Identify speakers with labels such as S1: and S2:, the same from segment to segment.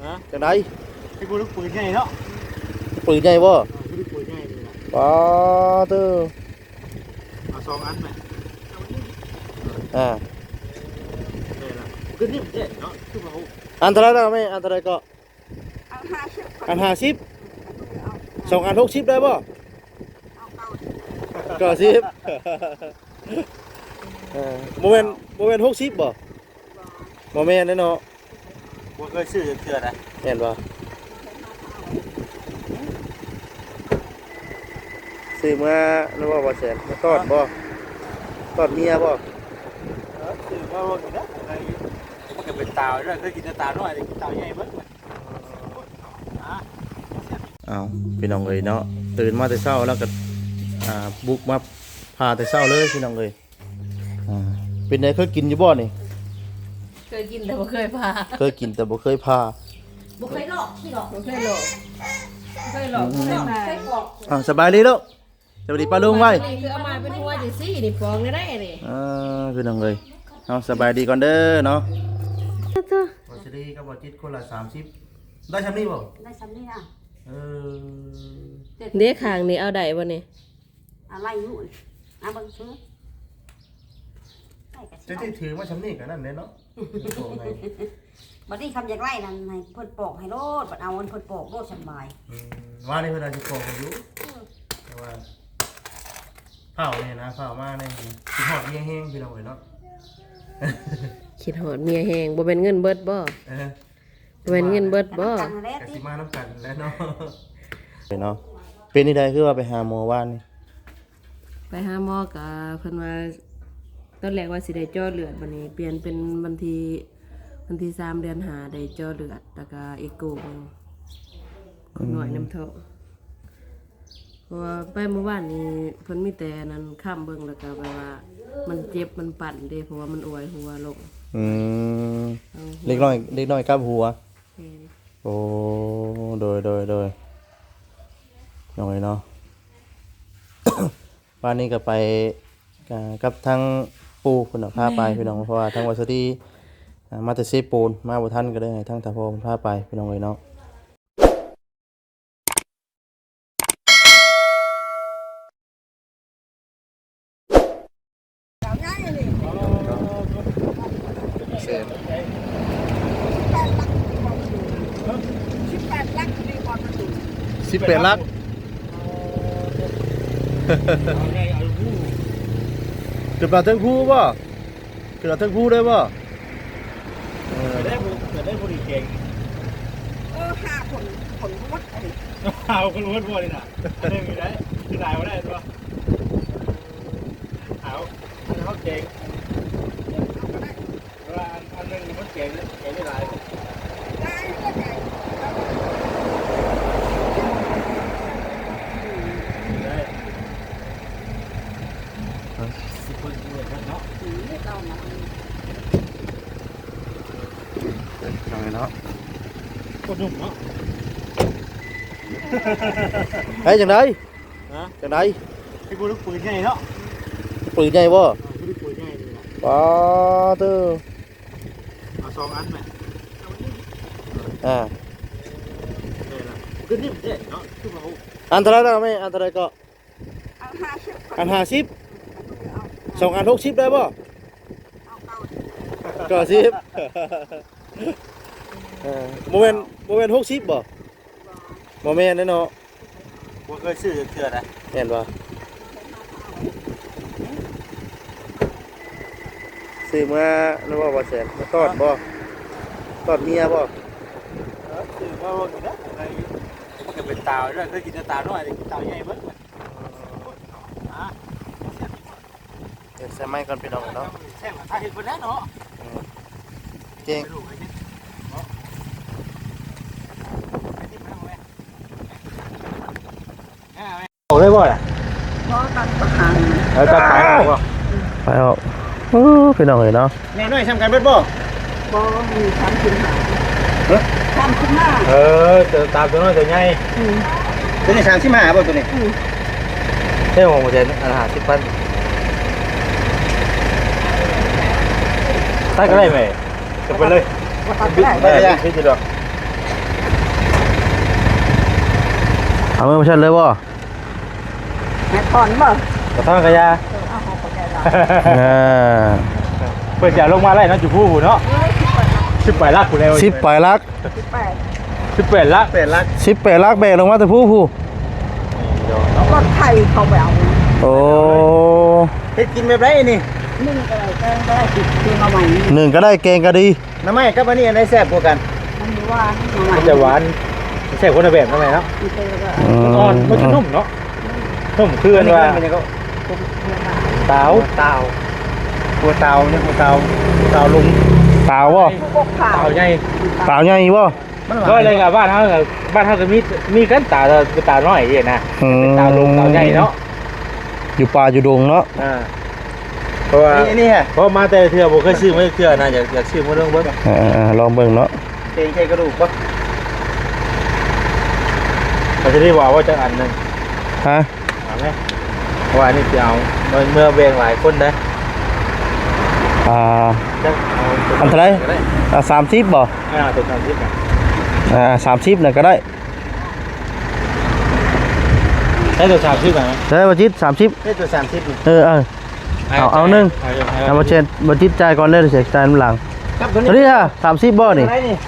S1: จังได
S2: ให้กูลูกปืนใหญ่เนาะ
S1: ปืนใหญ่บ่
S2: ลูกปืนใหญ่เลยนะ
S1: ป๊าเด้อ
S2: เอา2 อันไหมเลยละขึ้นนี่มันเจ็ดเนาะขึ้นมา
S1: อันเท่าไรแล้วแม่อันเท่าไรก็อัน50 2 อัน60ได้บ่90โมเมนต์60บ่โมเมนต์เนาะ
S2: กูเคยซื้อเถื่อนนะ
S1: เห็นบ่ซื้อมาแล้วบ่แสนมาทอดบ่ทอดเมียบ่
S2: ซื้อมาว่ากินนะอะไรมันก็เป็นตาด้วยเคยกินแต่ตาน้อยแต่กินตาใหญ่เบิ้ล
S1: เอาพี่น้องเอ้ยเนาะตื่นมาแต่เช้าแล้วก็บุกมาพาแต่เช้าเลยพี่น้องเอ้ยเป็นไงเคยกินอยู่บ่นี่
S3: เคยกินแต่บ่เคยพา
S1: เคยกินแต่บ่เคยพา
S3: บ่เคยหลอกที่หลอกบ่เคยหลอกเคยหลอกเคยบอก
S1: สบายดีลูกสวัสดีป้าลุงไว้
S3: นี่คือเอามาเป็นหัวจังซี่นี่ฟองได้นี่
S1: พี่น้องเอ้ยเอาสบายดีก่อนเด้อเนาะบ่สิดีกับบ่จิตคนละ30ได้ซำนี้บ่
S4: ได้ซำนี้นะ
S3: เด็กข้างนี่เอาได้บ่นี่
S4: อะไรอยู่เอาเบิ่งซื้อ
S1: จะที่ถือมาซำนี้ก็นั่นแหละเนาะ
S4: บัดนี้คำอยากไล่นั่นให้เพิ่นปอกให้โลดบัดเอาเพิ่นปอกโลดสบาย
S1: ว่านี่เพิ่นอาจสิปอกให้อยู่แต่ว่าเผาเนี่ยนะเผามาเนี่ยคิดฮอดเมียแห้งพี่น้องเอ้ยเนาะ
S3: คิดฮอดเมียแห้งบ่แม่นเงินเบิดบ่บ่แม่นเงินเบิดบ่
S1: ก็สิมานำกันแล้วเนาะเนาะเป็นนี่ได้คือว่าไปหาหมอว่านนี่
S3: ไปหาหมอก็เพิ่นว่าตอนแรกว่าสิได้เจาะเลือดบัดนี้เปลี่ยนเป็นวันที่3 เดือน5ได้เจาะเลือดแล้วก็เอ็กโกคนหน่อยน้ำเท่าเพราะว่าไปเมื่อวานนี้เพิ่นมีแต่นั้นข้ามเบิ่งแล้วก็แบบว่ามันเจ็บมันปั่นเด้เพราะว่ามันอวยหัวลง
S1: เล็กน้อยกับหัวโอ้โดยน้อยเนาะวันนี้ก็ไปกับทั้งปูเพิ่นพาไปพี่น้องเพราะว่าทั้งวัสดีมาแต่เซปูนมาบ่ทันก็ได้ให้ทั้งตาพ่อพาไปพี่น้องเอ้ยเนาะ18 ลักเกิดมาทั้งคู่ป่ะเกิดมาทั้งคู่ได้ป่ะ
S2: ได้บุหรี่เก่ง
S4: 5 คนวัดอะไร
S2: คนวัดบ่เลยน่ะได้มีได้คือได้บ่ได้ตัวเอาอันเขาเก่งว่าอันนึงมันเก่งได้หลาย
S1: เนาะ
S2: คนหนุ่มเนาะ
S1: เฮ้ยจังได
S2: ให้กูลูกปืนใหญ่เนาะ
S1: ปืนใหญ่บ่
S2: ลูกปืนใหญ่เลยนะ
S1: ป๊าเด้อ
S2: เอา2 อันไหมเลยละขึ้นนี่มันเจ็ดเนาะขึ้นมา
S1: อันเท่าไรแล้วแม่อันเท่าไรก็อัน50 2 อัน60ได้บ่90โมเมนต์60บ่โมเมนต์เนาะ
S2: กูเคยซื้อเถื่อนนะ
S1: เห็นบ่ซื้อมาแล้วบ่แสนมาทอดบ่ทอดเมียบ่
S2: ซื้อมาว่ากินนะอะไรมันก็เป็นตาด้วยเคยกินแต่ตาน้อยแต่กินตาใหญ่เบิ้ล
S1: เดี๋ยวใส่ไม้ก่อนพี่น้องเนาะ
S2: แซ่บถ้าเห็นคนนั้นเนาะ
S1: เก่ง
S2: เอาได้บ่ล่ะ
S4: ตัดประหาร
S2: ตัดขายเอาบ่
S1: ไปเอาพี่น้องเลยเนาะ
S2: แน่น้อยทำกันเบิดบ่
S4: มี35
S2: เจอตามตัวน้อยตัวใหญ่ตัวนี้35บ่ตัวนี้
S1: ใช่ผมจะอาหาร10,000
S2: ตัดก็ได้ไหมจะไปเลย
S4: ตัดได้
S2: ไม่ได้ที่จะดอก
S1: เอามือมาชันเลยบ่
S4: แม่ถอนบ่
S2: กระท่อนกระยา
S4: เอาของเขาใจเรา
S1: อ่า
S2: เปิดจะลงมาไล่เนาะจุผู้เนาะ18ลักกูแล้ว
S1: 10ปลายลัก
S2: 18ลัก8ลัก
S1: 10 8ลักแบกลงมาแต่ผู้
S4: รถไถเขาไปเอา
S1: โอ้
S2: เฮ็ดกินแบบไรนี่
S4: นึ่งก็ได้แกงก็ได้ติดเตียงเอาใหม่
S1: หนึ่งก็ได้แกงก็ดี
S2: น้ำไม้กับอันนี้อันไหนแซ่บกว่ากัน
S4: มันมีว่าเอาใหม่
S2: มันจะหวานแซ่บคนละแบบทำไมเนาะ
S4: มีเตยก็
S2: มันอ่อนมันจะนุ่มเนาะนุ่มคืออันว่าเตาหัวเตาเนี่ยหัวเตาลุง
S1: เปล่าบ่
S4: พวกข่าว
S2: เตาใหญ่
S1: เปล่าใหญ่บ่
S2: ก็เลยกับบ้านเขาก็มีกันตาน้อยอย่างนะ
S1: อืม
S2: เตาลุงเตาใหญ่เนาะ
S1: อยู่ป่าอยู่ดงเนาะ
S2: เพราะว่านี่ฮะเพราะมาแต่เถื่อผมเคยซื้อมาเถื่อนะอยากซื้อมาเรื่องเบิ้ง
S1: ลองเบิ่งเนาะ
S2: ใช่กระดูกปะเราจะได้ว่าจะอันหนึ่ง
S1: ฮะ
S2: เอาไหมว่านี่จะเอาเมื่อแบ่งหลายคนนะ
S1: อันเท่าไหร่30บ่
S2: ตัว30นะ
S1: 30น่ะก็ได้
S2: ใช้ตัว30ไหม
S1: ได้บ่จิต30
S2: ใช้ตัว30
S1: เอาหนึ่งเอามาเช็ดบ่จิตจ่ายก่อนเด้อเสียจ่ายน้ำหลัง
S2: ครับ
S1: ตัวนี้ฮะ30บ่นี่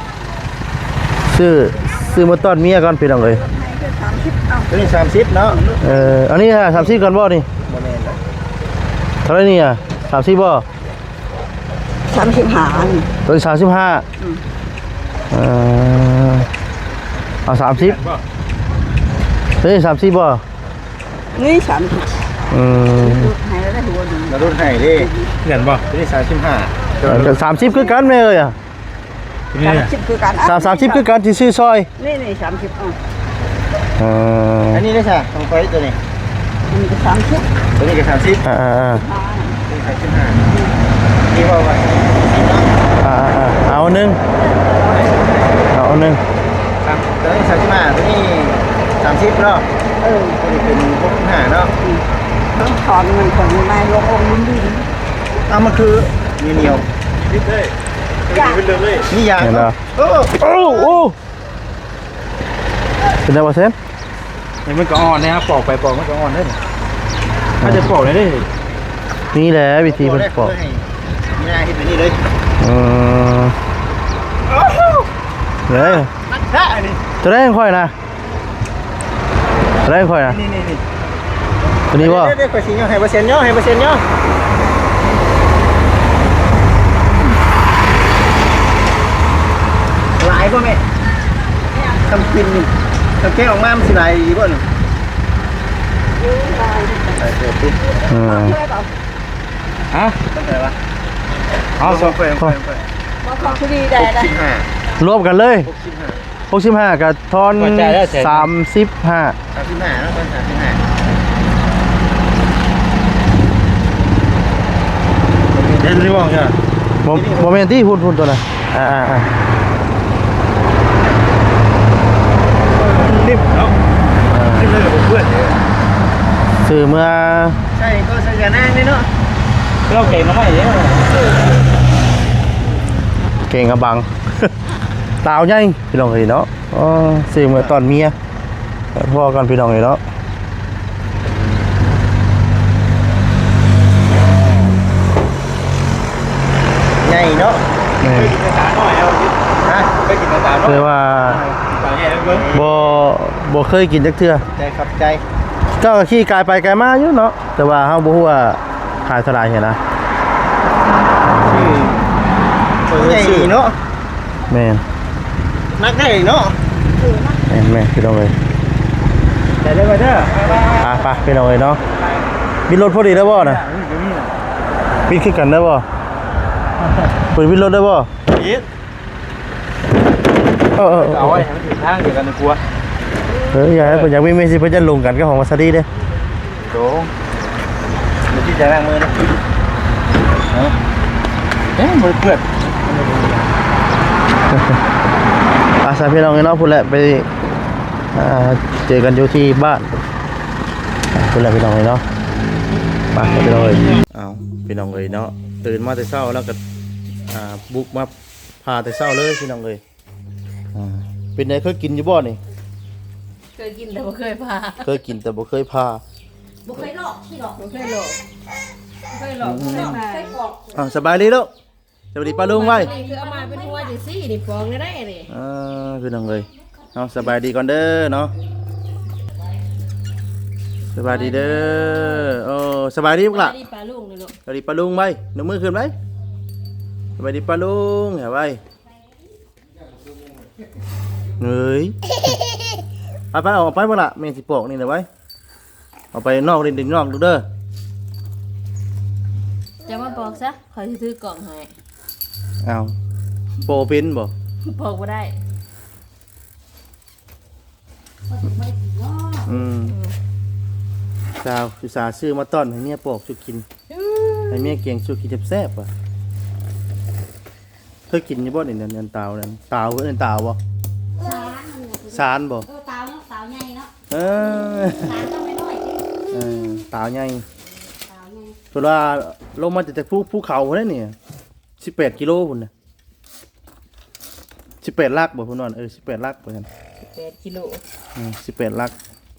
S1: ซื้อมาต้อนเมียก่อนพี่น้องเอ้ย
S2: ตัวนี้30เนาะ
S1: อันนี้ฮะ30ก่อนบ่นี่เท่าไหร่นี่30บ่
S4: 35
S1: ตัวนี้35เอา30ตัวนี้30บ่
S4: นี่30ให้แล้วได้หัวดี
S2: มารุ่นให้ดิเงินบ่ตัวนี้35
S1: 30คือกันแม่เอ้ย
S4: 30คือการ
S1: 30คือกันที่ซื้อซอย
S4: นี่30
S2: อันนี้ได้ใช่ของไฟตัวนี้
S4: มันก็30
S2: ตัวนี้ก็30นี่ว่าว่า
S1: เอาหนึ่ง
S2: ครับตัวนี้35ตัวนี้30เนาะตัวนี้เป็น65เนาะ
S4: ต้องถอนเงินของนายลงองค์ลิ้น
S2: เอามันคือเหนียวนิดเลยนี่ยาง
S1: เห็น
S2: เนาะ
S1: แล้วโอ้เป็นไงวะเซน
S2: มันก็อ่อนนะครับปอกไปปอกมันก็อ่อนได้ถ้าจะปอกได้
S1: นี่แหละวิธีมันปอก
S2: นี่นะที่เป็นนี่เลย
S1: เฮ้ย
S2: นักแท้นี่
S1: ตัวแรกค่อยนะตัวแรกค่อยนะ
S2: นี่
S1: ตัวนี้ว่า
S2: เด็กกว่าสิย่อให้เปอร์เซ็นต์ย่อให้เปอร์เซ็นต์ย่อหลายป่ะแม่ทำกินนี่ทำแก้ออกมามันสิหลายอีกป่ะหนึ่งใส่เสื้อปุ๊บฮะอะไรวะเอาสองเฟรม
S4: มาขอคุดีได้ได้
S1: รวมกันเลย65กับทอน35
S2: 35แล้วมัน35เล่นรีบองใช่ไหม
S1: โมเมนต์ที่หุ่นตัวน่ะ
S2: รีบแล้วรีบเลยกับเพื่อน
S1: สื่อเมื่อ
S2: ใช่ก็ใส่กันนั่งนี่เนาะเราเก่งน้อยเยอะ
S1: เก่งกับบัง ตาวใหญ่พี่น้องเอ้ยเนาะสื่อเมื่อตอนเมียพ่อกันพี่น้องเอ้ยเนาะ
S2: ใหญ่เนาะไปกินตาหน่อยเอาฮะไปกินตาหน่อย
S1: คือว่า
S2: ตาใหญ่เบิ้ง
S1: บ่เคยกินจักเทื่อ
S2: ใจขับใจ
S1: ก็ขี่กายไปกายมาอยู่เนาะแต่ว่าเฮาบ่ฮู้ว่าขายเท่าไหร่เห็นนะ
S2: ใหญ่เนาะ
S1: แม่น
S2: นักได้เนาะ
S1: แม่นพี่น้องเอ้ย
S2: แต่ได้มาเด้อ
S1: ไปพี่น้องเอ้ยเนาะมีรถพอดีได้บ่น่ะปิดคือกันได้บ่เปิดวินรถได้บ่
S2: ยิด
S1: เอา
S2: เอาไว้ให้มันถึงทางเดียวกันนะกลัว
S1: อยากให้เพิ่นอยากมีเมสซี่เพิ่นจะลงกันกับของวาซาดีเด้
S2: โดงเดี๋ยวที่จะล้างมือนะมือเปื้อน
S1: สายพี่น้องเนาะพุ่นแหละไปเจอกันอยู่ที่บ้านพุ่นแหละพี่น้องเนาะไปพี่น้องเอาพี่น้องเนาะตื่นมาแต่เช้าแล้วก็บุกมาพาแต่เช้าเลยพี่น้องเป็นไงเคยกินอยู่บ่นี่
S3: เคยกินแต่บ่เคยพา
S1: เคยกินแต่บ่เคยพา
S4: บ่เคยหลอกที่หลอก
S3: บ่เคยหลอกบ่เคยหลอกบ่เคยพา
S4: เคยบอก
S1: สบายดีลูกสวัสดีป้าลุงไว้
S3: นี่คือเอามาเป็นหัวจังซี่นี่ฟองได้นี่
S1: พี่น้องเลยเอาสบายดีก่อนเด้อเนาะสบายดีเด้อโอ้สบายดีพวกล่ะ
S3: นี่ปลาลุงนี่ลูก
S1: สวัสดีป้าลุงไว้หนูมือขึ้นไว้สบายดีป้าลุงเห็นไว้เฮ้ยไปออกไปพวกล่ะแม่สิปอกนี่นะไว้เอาไปนอกเล่นดินนอกดูเด้อ
S3: จะมาบอกซะขอยสิถือกล่องให้
S1: เอาโปรเป็นบ่
S3: บอกบ่ได้
S1: สาวอุตส่าห์ซื้อมาต้อนให้เมียปอกสุกินให้เมียเกียงสุกินแซ่บๆว่ะเคยกินอยู่บ่นี่นั่นเตานั่นเตาเพิ่นเตาบ่สารบ่
S4: เตาเนาะเตาใหญ่เนาะ
S1: เออ
S4: สารต้องไม่น้อยสิ
S1: เตาใหญ่
S4: เตาใหญ่
S1: เพิ่นว่าลงมาจากภูเขาพุ่นน่ะนี่18กิโลพุ่นน่ะ18ลักบ่พุ่นว่า18ลักบ่ซั่น
S3: 8กิโล
S1: 18ลัก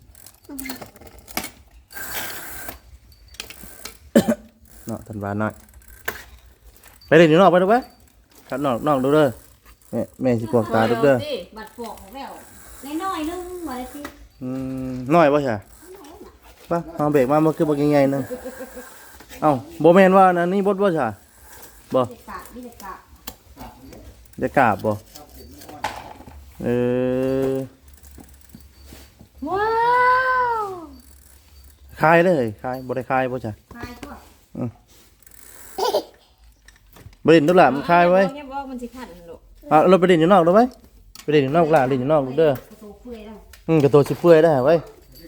S1: เนาะทันวาน้อยไปเล่นอยู่นอกไปดูไปครับนอกดูเด้อแม่สิปอกตาดูเด้อ
S4: บัดปอกของแล้วน้อยๆนึงว่าได้สิ
S1: น้อยบ่ใช่ป่ะเอาเบรกมาบ่คือบ่ใหญ่ๆนึงเอ้าบ่แม่นว่าอันนี้บ่บ่ใช่บ่
S4: เด็กกะนี่เด็กกะ
S1: จะกราบบ่เออ
S3: ว้าว
S1: คายเลยคายบ่ได้คายบ่ใช่
S4: คายพวก
S1: บ่เล่นดูล่ะมันคายไว้
S3: เนี่ยบอกมันสิขันลูก
S1: เราไปเล่นอยู่นอกดูไว้ไปเล่นอยู่นอกล่ะเล่นอยู่นอกดูเด้อก
S4: ระโตเปื่อยแล้ว
S1: กระโตสิเปื่อยได้ไว้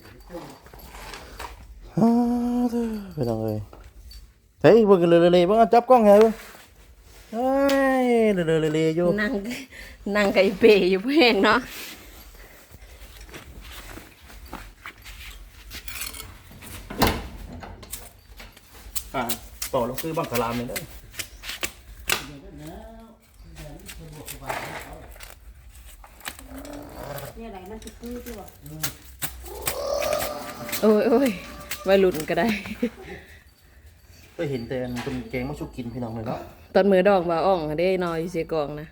S1: ไปลองเลยเฮ้ยเบิ่งกันเลยๆบ่จับกล้องให้เบิ่งเฮ้ยเลยๆอยู่
S3: นั่งไก่เปยอยู่แพงเนาะ
S1: ต่อเราซื้อบังสลามเลยเด้อ
S4: เนี่ยไหนมันสิคือที่ว่า
S3: โอ้ยวัยรุ่นก็ได้
S1: ก็เห็นแต่เป็นแกงมะชุกกินพี่น้องเลยเนาะ
S3: ตอนมือดองบ่าอ่องได้นอยอยู่เสียกองนะ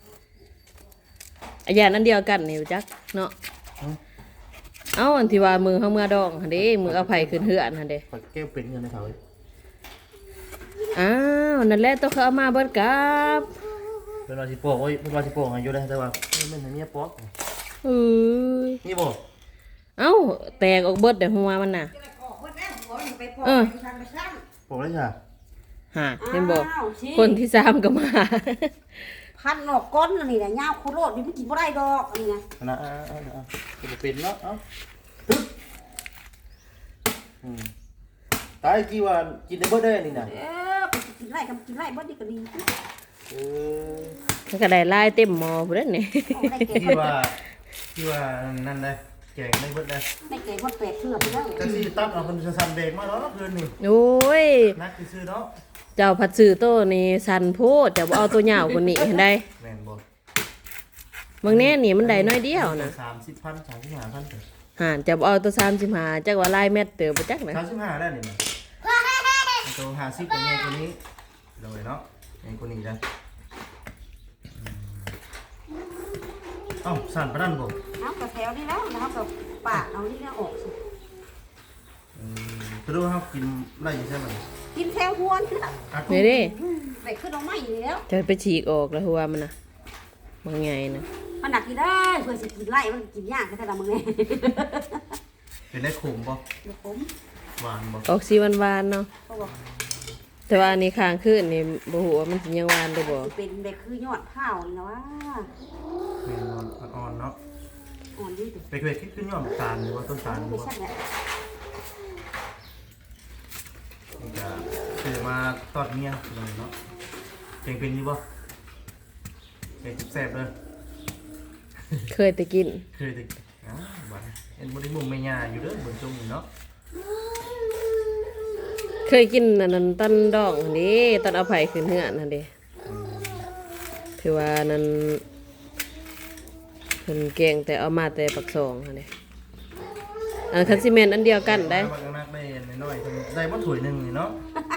S3: อาญานั่นเดียวกันนี่รู้จักเนาะเอ้าอันที่ว่ามือเฮาเมื่อดองหั่นเด้มือเอาไผขึ้นเฮือนหั่นเด้
S1: ขอแก้วเป็นเงินในเขาเลย
S3: อ้าวนั่นแหละต้องเขาเอามาเบิดกับ
S1: เป็นว่าสิโป้โอ้ยเป็นว่าสิโป้อายุได้แต่ว่าไม่เห็นเมียป๊อก
S3: เอ้ย
S1: นี่บ่
S3: เอ้าแตกออกเบิดแต่หัวมันน่ะ
S4: ออกเบิดแล้วหัวมันไปปอก
S3: เออ
S4: ไปทางไปซ้ำ
S1: โป้ได้จ้ะ
S3: หาเห็นบ่
S4: อ้าวสิ
S3: คนที่3ก็มา
S4: พันออกก้นอันนี่แหละยาวโคโรดนี่มันกินบ่ได้ดอกอันนี้นะ
S1: นะเป็นเนาะเอ้าตายกี่ว่ากินได้เบิดได้นี่น่ะ
S4: ไปกินไร่กับกินไร่บ่ดีก็ดี
S3: มันก็ได้ลายเต็มหม้อพุ่นเด้อนี่
S4: เอาได้เก่ง
S1: ที่ว่านั่นได้แกงได้เบิดได้
S4: ได้เก่งคนแปดเทื่อไปแล้ว
S1: จังสิตัดเอาคนจะสั่นเบรกมาแล้วเคืนนี่
S3: โอ้ย
S1: นักซื้อเนาะ
S3: เจ้าผัดซื้อโตนี่สันโพดจะบ่เอาตัวยาวกว่านี้เห็นได้
S1: แม่นบ่
S3: บางแน่นี่มันได้น้อยเดียวนะ
S1: 30,000 35,000
S3: หานจะบ่เอาตัว35จักว่าลายแมตเตอร์บ่จักนะ
S1: 35ได้นี่นะตัว50ตัวใหญ่กว่านี้เลยเนาะใหญ่กว่านี้ได้เอ้าสั่นปานนั้นบ่
S4: เอากระแถวนี่แล้วนะครับกับปากเอานี่แล้วออกสิ
S1: คือดูเฮากินได้อยู่ใช่มั้ย
S4: กินแถวหัวนี่แล้ว
S3: นี่เด้
S4: ไปขึ้นเอาไม้นี่แล้ว
S3: จะไปฉีกออกแล้วหัวมันน่ะบางไงนะ
S4: มันหนักกินได้เพื่อสิกินไร่มันกินยากแค่ไหนมึงไง
S1: เป็นได้ขมบ่
S4: เดี๋ยวผม
S1: หวานบ่
S3: ออกสีหวานๆเนาะ
S4: เขาบอก
S3: แต่ว่าอันนี้ค้างคืนนี่บ่ฮู้ว่ามันสิยังหวานได้บ่
S4: สิเป็นเด็กคือยอดเผานี่นะว่า
S1: แม่นอ่อนๆเนาะ
S4: อ่อนดีตัว
S1: ไปเคยคิดขึ้นยอดตาลหรือว่าต้นตาลหรือ
S4: ไม่
S1: ว่า
S4: ใช่แหละ
S1: นี่ก็คือมาตอดเมียเลยเนาะเก่งเป็นอยู่บ่เก่งแซ่บเลย
S3: เคยแต่กิน
S1: เคยติบ้านเอ็นบริมุมไม่ยาอยู่เด้อบนจงเนาะ
S3: เคยกินอันนั้นต้นดอกหั่นเด้ต้นเอาไผขึ้นเฮือนหั่นเด้ถือว่านั้นเพิ่นแกงแต่เอามาแต่ปักซองหั่นเด้คันซีเมนต์อันเดียวกันได้
S1: บักนักได้น้อยๆได้บ่ถ้วยหนึงนี่เนาะ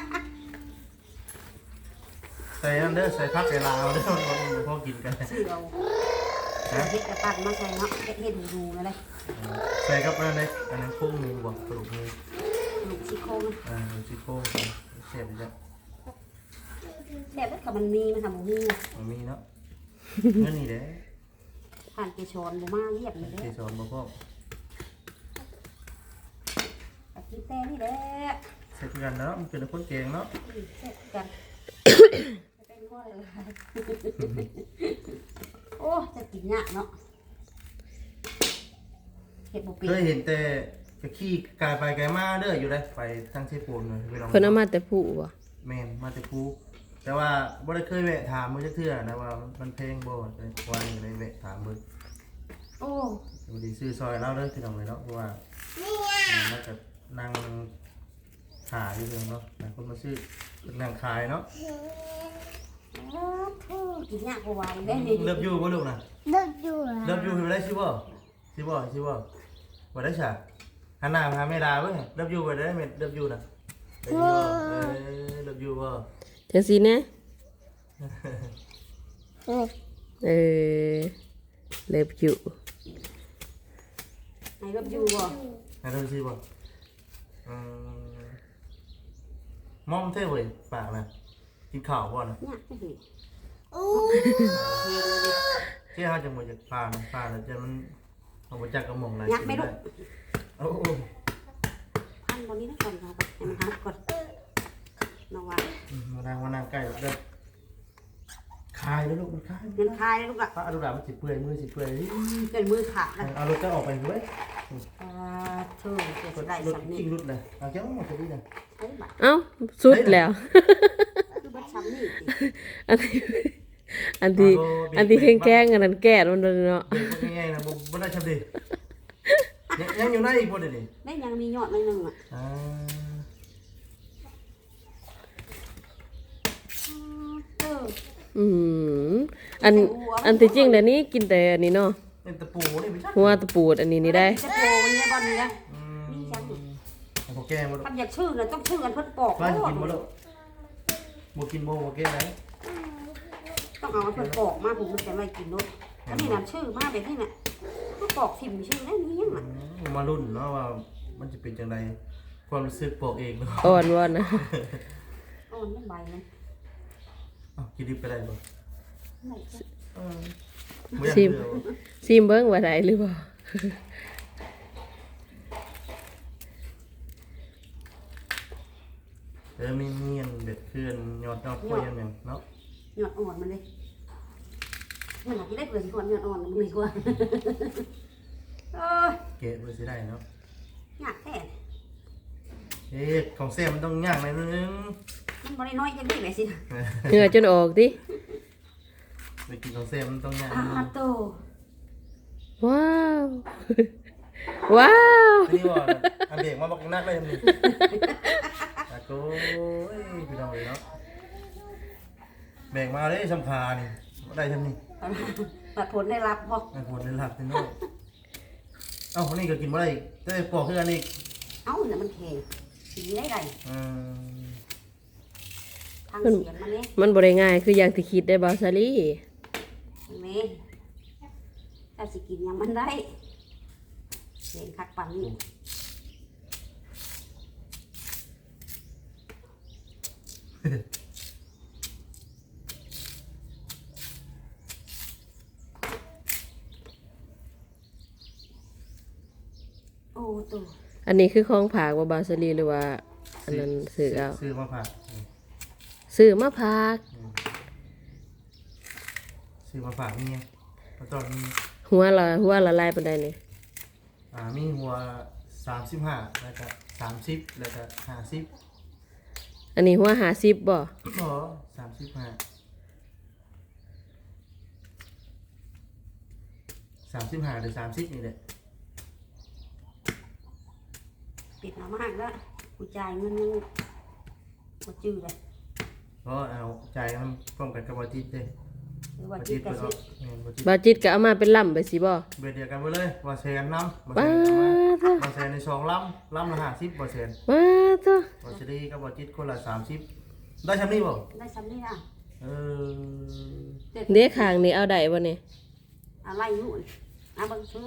S1: ใส่อันเด้อใส่ผักใส่ลาวเด้อมันพอกินกัน
S4: ชื่อเราเฮ็ดกระตันมาใส่เนาะเฮ็ดดูนั่นเลย
S1: ใส่กับอันนั้นโครงหมูบ่กระดูกหมู
S4: ลูกซี่โครง
S1: ซี่โครงเสียบจ้ะ
S4: แซ่บแล้วก็มันมีมันทำบ่มี
S1: มันมีเนาะเงินนี่เด้
S4: ผ่านเกชรบ่มาเรียบเลย
S1: เก
S4: เด้
S1: สรบ่พอ
S4: ตะกี้แต่นี่แหละ
S1: เสร็จกันเนาะมันเป็นคนเก่งเนาะ
S4: แซ่บกันเป็นบ่เลยโอ้จะกินยากเนาะเฮ็ดบ่เป็น
S1: เคยเห็นแต่กะขี้กายไปกายมาเด้ออยู่ได้ไปทางเชฟปูนเลยไปลอง
S3: เพิ่นเอามาแต่ผู้บ่
S1: แม่นมาแต่ภูแต่ว่าบ่ได้เคยแวะถามมื้อจักเทื่อนะว่ามันเพลงบ่ได้ว่าอยู่ในแวะถามเบิ่ง
S4: โอ้
S1: บ่ได้ซื้อซอยเราเด้อพี่น้องเลยเนาะเพราะว่ามันก็นั่งหาอยู่เด้อเนาะหลายคนมาซื้อนั่งขายเนาะ
S4: กินยากกว่าว่าได้นี่
S1: เลิฟยูบ่ลูกน่ะ
S5: เลิกอยู่
S1: เลิฟยูคือได้สิบ่สิบ่สิบ่บ่ได้ซะหันหน้ามาหาแม่ดาเว้ยเลิฟยูบ่ได้แม่เลิฟยูน่ะเลิฟยูบ่
S3: จังซี่แน่เลิฟอยู่
S4: ไหนรับอยู่บ่
S1: ให้เลิฟสิบ่มอมเท่เว้ยปากน่ะกินข้าวบ่น่ะ
S4: ยากจังซี่
S5: โอ้
S4: เฮ็ดเลยดิ
S1: เจ้าจังบ่จะผ่านแล้วจะมันเอาบ่จักกระหม่องไหน
S4: ยากไหมลูก
S1: โอ้
S4: พันบ่นี้นะก่อนครับให้มันหักก่อนน้องว่า
S1: มานั่งใกล้เด้อคายแล้วลูกมันคาย
S4: เงินคายเลยลูกอ่ะ
S1: ป้าเอาลูกหลานมันสิเปื่อยมือสิเปื่อย
S4: เกินมือขาดแล้ว
S1: เอารถก็ออกไปด้วย
S4: เธอจะได้
S1: รถ
S4: สำนี
S1: กิ้งรุดเลยเอาเจ้าหมดจะดีเลย
S4: ใช้บัตร
S3: เอ้าสุดแล้ว
S4: คือบัตรสำนี
S3: อันที่แข้งๆอันนั้นแก่มันเลยเนาะ
S1: เด็กง่ายๆนะบ่ได้ชับดียังอยู่ในอีกบ่เดี๋ยวนี้
S4: ได้ยังมียอดหน่อยนึงอ่ะ เออ
S3: อืมอันที่จริงเดี๋ยวนี้กินแต่อันนี้เนาะ
S1: เป็นตะปูนี่ไม่ใช่
S3: หัวตะปูดอันนี้นี่ได้
S4: จะโตวันนี้บ้านนี้นะมีจัง
S1: พอแกมาลูก
S4: ทำอยากชื่อน่ะต้องชื่อกันเพิ่นปอก
S1: ร้านกินบ่ลูกบ่กินบ่แกไหน
S4: ต้องเอาเพิ่นปอกมาผมมันจะไม่กินเนาะแล้วนี่น่ะชื่อมาแบบนี้น่ะก็ปอกทิ่มชื่อได้มียังน่ะ
S1: มารุ่นเนาะว่ามันจะเป็นจังไดความรู้สึกบอกเองเนาะ
S3: อ่อนวอนนะ
S4: อ่อนไม่ใบเลย
S1: กินดิบไปได้บ่
S4: ไหนจะ
S3: ซิมเบิ้งว่าได้หรือเปล่า
S1: มีเมียนเบ็ดเพื่อนยอดกล้วยยังเนาะ
S4: หยอดอ่อนมันเลยมันอยากได้เปลือกก่อนหยอดอ่อนมันดีกว่า
S1: เกะเลยสิได้เนาะ
S4: อยากแท้
S1: ของแซ่มันต้องย่างหน่อยนึง
S4: มันบ่ได้น้อยจังได้ไหมสิ
S3: เหงื่อจนออกดิ
S1: ไปกินของแซ่มันต้องย่าง
S4: โต
S3: ว้าว ว้าว
S1: นี่ว่าอันเบรกมาบอกนักได้ทำนี่ตะโก้พี่น้องเลยเนาะเบรกมาเลยสำคานี่ได้ทำนี่
S4: ตัดผลได้รับบ่
S1: ไอ้ผลในหลักที่โน่เอ้าคนนี้ก็กินบ่ได้ได้ปอกคืออันนี้
S4: เอ้าน่ะมันแข็งสีได้ไรทางเสียงมันเนี่ย
S3: มันบ่ได้ง่ายคืออย่างที่คิดได้บ่ซาลี่
S4: เห็นไหมถ้าสิกินยังมันได้เห็นคักปันนี่โอ้ตัว
S3: อันนี้คือของผากว่าบาซาลีหรือว่าอันนั้นซื้อเอา
S1: ซื้อมาผัก
S3: ซื้อมาผาก
S1: ซื้อมาฝากนี่ตอนนี้
S3: หัวละลายปานใดนี่
S1: มีหัว35แล้วก็30แล้วก็50
S3: อันนี้หัว50บ่
S1: บ่35 35หรือ30นี่แหละ
S4: ปิดมามากแล้วกูจ่ายเงินยังหมดจืดเลย
S1: เพราะเอาใจมันป้องกันกระบอกจิตเลย
S4: โคือว่าจิตกระซื้อ
S3: บ่จิตก็เอามาเป็นล่ำไปสิบ่
S1: เบ็ดเดียวกันไปเลยบ่แซนน้ำ
S3: ว้า
S1: บ่
S3: เด้อ
S1: แซนใน2ลำละ50บ่แซน
S3: ว้าเด้อ
S1: บ่สิดีกับบ่จิตคนละ30ได้ซำนี้บ่
S4: ได้ซ้ำนี่อ่ะ
S1: เออ
S3: เด้ข้างนี่เอาได้บ่นี่
S4: อะไรอยู่อ่ะเบิ่งซื้อ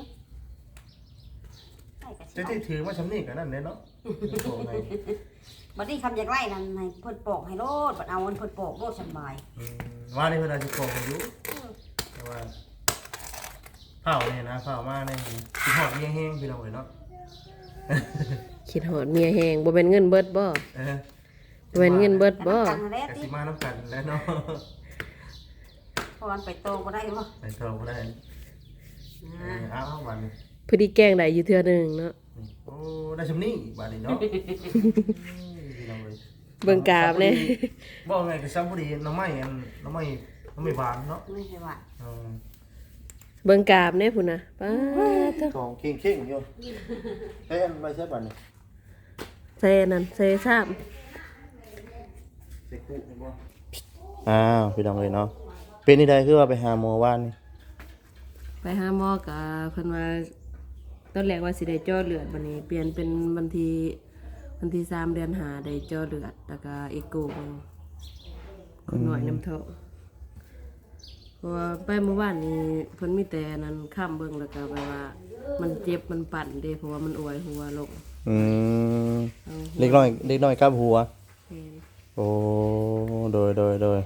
S4: ได้กระ
S1: จะ
S4: ซื้อ
S1: ที่ถือมาซำนี้ก็นั่นแหละเนาะโอ้ไง
S4: บัดนี้คำอยากไล่นั่นให้เพิ่นปอกให้โลดบัดเอาเงินเพิ่นปอกโลดสบาย
S1: ว่านี่เพิ่นอาจสิโกงอยู่แต่ว่าเผาเนี่ยนะเผามาเนี่ยสิฮอดเมียแห้งพี่น้องเอ้ยเนาะ
S3: คิดฮอดเมียแฮงบ่แม่นเงินเบิดบ่
S1: เออ
S3: บ่แม่นเงินเบิดบ่
S4: ตังค์แรก
S1: กะ
S4: ติ
S1: สิมาน้ำกันแล้วเนาะ
S4: พอมันไปโตบ่ได้บ่
S1: ไปเท่าบ่ได้เอาวันนี้
S3: พอดีแกล้งได้อยู่เทื่อหนึงเนาะ
S1: โอ้ได้ชำนี้บัดนี้เนาะพี่น้องเอ้ย
S3: เบิ่งกราบแน่
S1: บอกไงก็ซ้ำพอดีน้ำไม้หวานเนาะ
S4: ไม่ใช่ว่า
S3: เบิ่งกราบแน่พุ่นน่ะป้าเด้อ
S1: ของเข่งๆอยู่เอ้ยไม่ใช่บัดนี้
S3: ใส่อันนั้นใส่ซ้ำ
S1: ใส่คู่นี่บ่อ้าวพี่น้องเอ้ยเนาะเป็นนี่ใดคือว่าไปหาหมอว่านนี่
S3: ไปหาหมอก็เพิ่นว่าตอนแรกว่าสิได้เจาะเลือดบัดนี้เปลี่ยนเป็นวันที่3 เดือน5ได้เจาะเลือดแล้วก็เอ็กโกเบิ่งคนน้อยน้ำท้องเพราะว่าไปเมื่อวานนี้เพิ่นมีแต่นั้นข้ามเบิ่งแล้วก็แบบว่า มันเจ็บมันปั่นเด้เพราะว่ามันอวยหัวลง
S1: อืม
S3: เอา
S1: เล็กน้อยกับหัว
S3: แม่น
S1: โอ้โดย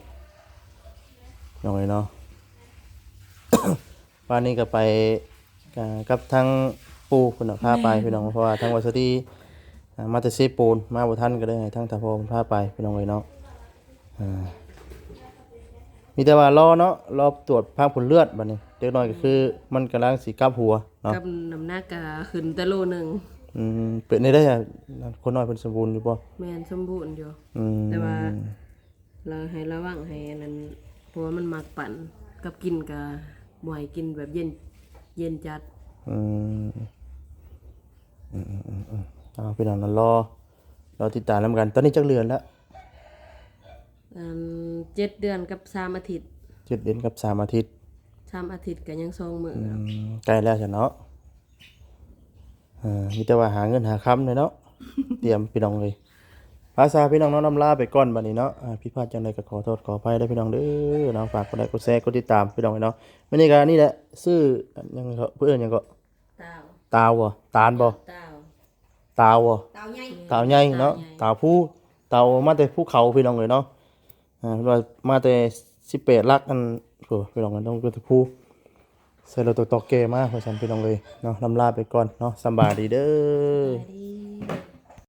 S1: น้องเอ้ยเนาะ วันนี้ก็ไปกับทั้งปู่เพิ่นน่ะพาไปพี่น้องเพราะว่าทั้งวัสดีมาแต่เซปูนมาบ่ทันก็ได้ให้ทั้งตาพ่อเพิ่นพาไปพี่น้องเอ้ยเนาะมีแต่ว่ารอเนาะรอตรวจภาพผลเลือดบัดนี้เด็กน้อยก็คือมันกำลังสิกลับหัวเนาะ
S3: กับน้ำหนักก็ขึ้นแต่โลหนึง
S1: เป็นได้อะคนน้อยเพิ่นสมบูรณ์อยู่บ่
S3: แม่นสมบูรณ์อยู่
S1: อืม
S3: แต่ว่าเราให้ระวังให้อันนั้นเพราะว่ามันมักปั่นกับกินก็บ่ให้กินแบบเย็นจัด
S1: อืมเอาพี่น้องนั่นรอติดตามนํกันตอนนี้จักเดือนแล้ว
S3: 7 เดือนกับ3 อาทิตย์
S1: 7 เดือนกับ3 อาทิตย์
S3: 3 อาทิตย์ก็ยัง2 มื้อครับ
S1: ใกล้แล้วจ้ะเนาะมีแต่ว่าหาเงินหาค้ำเลยเนาะ เตรียมพี่น้องเลยภาษาพี่น้องน้องนำลาไปก่อนบัดนี้เนาะพี่พลาดจังไดก็ขอโทษขออภัยด้วยพี่น้องเด้อเนาะฝากกดไลค์กดแชร์กดติดตามพี่น้องเลยเนาะมื้อนี้ก็นี่แหละชื่อยังเถอะเพิ่นหยังก็
S3: ตาว
S1: ตาวบ่ตาลบ่
S3: ตาว
S1: ตาวบ่
S4: เตาใหญ่
S1: ตาวใหญ่เนาะตาวผู้ตาวมาแต่ภูเขาพี่น้องเลยเนาะเพิ่นว่ามาแต่18ลักอันโหพี่น้องกันต้องเป็นผู้ใส่รถตอกแกมาเพราะฉะนั้นพี่น้องเลยเนาะนำลาไปก่อนเนาะสำบายดีเด้อ
S3: ดี